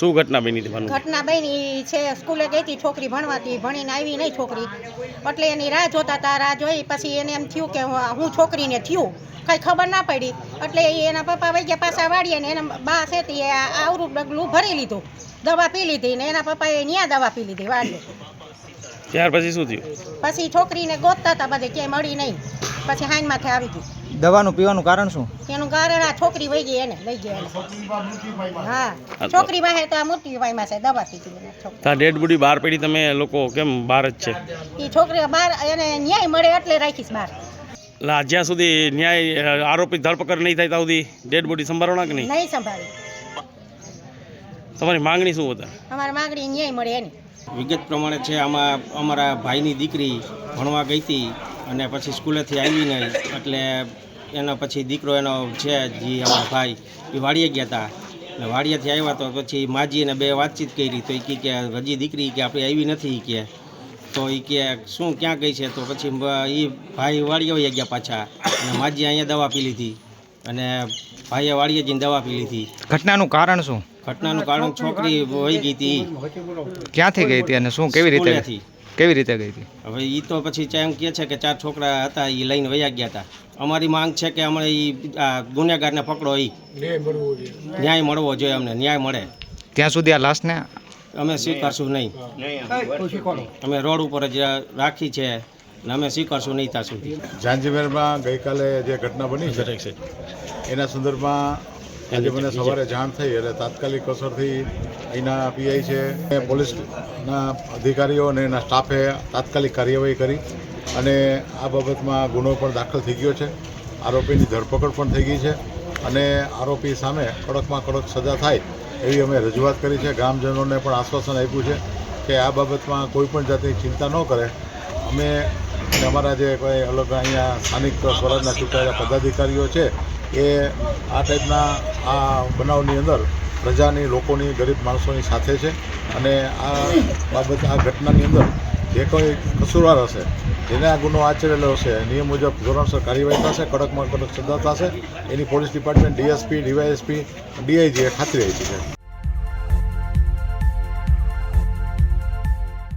શું ઘટના બની હતી? ઘટના બની છે, સ્કૂલે ગઈ હતી છોકરી ભણવાથી, ભણીને આવી નહીં છોકરી, એટલે એની રાહ જોતા હતા. રાહ જોઈ પછી એને એમ થયું કે હું છોકરીને થયું, કંઈ ખબર ના પડી, એટલે એના પપ્પા વહી ગયા પાછા વાળીએ ને એના બા છે તે આવરું ડગલું ભરી લીધું, દવા પી લીધી ને એના પપ્પાએ ત્યાં દવા પી લીધી વાળીએ. ત્યાર પછી શું થયું? પછી છોકરીને ગોતતા હતા બધે, ક્યાંય મળી નહીં. પછી હાઈન માથે આવી ગઈ. દવાનું પીવાનું કારણ શું? એનું કારણ આ છોકરી વહી ગઈ, એને લઈ ગયા. હા, છોકરી વાહે તો આ મૃત્યુ પામ્યા છે, દવા પીધી. તા ડેડ બોડી બહાર પડી, તમે લોકો કેમ બહાર જ છે? એ છોકરી બહાર એને ન્યાય મળે એટલે રાખીશ બહાર. જ્યાં સુધી ન્યાય આરોપી ધરપકડ નહીં થાય ત્યાં સુધી ડેડ બોડી સંભાળવાના કે નહીં? નહીં સંભાળે. તમારી માંગણી શું હતા? અમારી માંગણી ન્યાય મળે એની. વિગત પ્રમાણે છે, આમાં અમારા ભાઈની દીકરી ભણવા ગઈ હતી અને પછી સ્કૂલેથી આવી નહીં, એટલે એનો પછી દીકરો એનો છે જે અમારા ભાઈ એ વાડીએ ગયા હતા, અને વાડીએથી આવ્યા તો પછી માજી અને બે વાતચીત કરી, તો એ કે હજી દીકરી કે આપણે આવી નથી કે, તો એ કે શું ક્યાં ગઈ છે, તો પછી એ ભાઈ વાડીએ વહી ગયા પાછા, અને માજી અહીંયા દવા પી લીધી અને ભાઈએ વાડીએ જઈને દવા પી લીધી. ઘટનાનું કારણ શું? ઘટનાનું કારણ છોકરી વહી ગઈ હતી. ક્યાંથી ગઈ હતી અને શું કેવી રીતે ગઈ હતી? હવે એ તો પછી એમ કહે છે કે 4 છોકરા હતા એ લઈને વયા ગયા હતા. અમારી માંગ છે કે અમને એ ગુનેગારને પકડો, એ ન્યાય મળવો જોઈએ, અમને ન્યાય મળે ત્યાં સુધી આ લાશને અમે સ્વીકારશું નહીં. અમે રોડ ઉપર જ રાખી છે ને અમે સ્વીકારશું નહીં ત્યાં સુધી. ઝાંઝમેરમાં ગઈકાલે જે ઘટના બની છે એના સંદર્ભમાં આજે મને સવારે જાણ થઈ, એટલે તાત્કાલિક અસરથી અહીંના પીઆઈ છે, પોલીસના અધિકારીઓ અને એના સ્ટાફે તાત્કાલિક કાર્યવાહી કરી અને આ બાબતમાં ગુનો પણ દાખલ થઈ ગયો છે. આરોપીની ધરપકડ પણ થઈ ગઈ છે અને આરોપી સામે કડકમાં કડક સજા થાય એવી અમે રજૂઆત કરી છે. ગ્રામજનોને પણ આશ્વાસન આપ્યું છે કે આ બાબતમાં કોઈ પણ જાતની ચિંતા ન કરે. અમે અમારા જે કોઈ અલગ અહીંયા સ્થાનિક સ્વરાજના ચૂંટાયેલા પદાધિકારીઓ છે એ આ ટાઈપના આ બનાવની અંદર પ્રજાની, લોકોની, ગરીબ માણસોની સાથે છે અને આ બાબત, આ ઘટનાની અંદર જે કોઈ કસૂરવાર હશે, જેને આ ગુનો આચરેલો હશે, નિયમ મુજબ ધોરણસર કાર્યવાહી થશે, કડકમાં કડક સજા થશે, એની પોલીસ ડિપાર્ટમેન્ટ, ડીએસપી, ડીવાયએસપી, ડીઆઈજીએ ખાતરી આપી છે.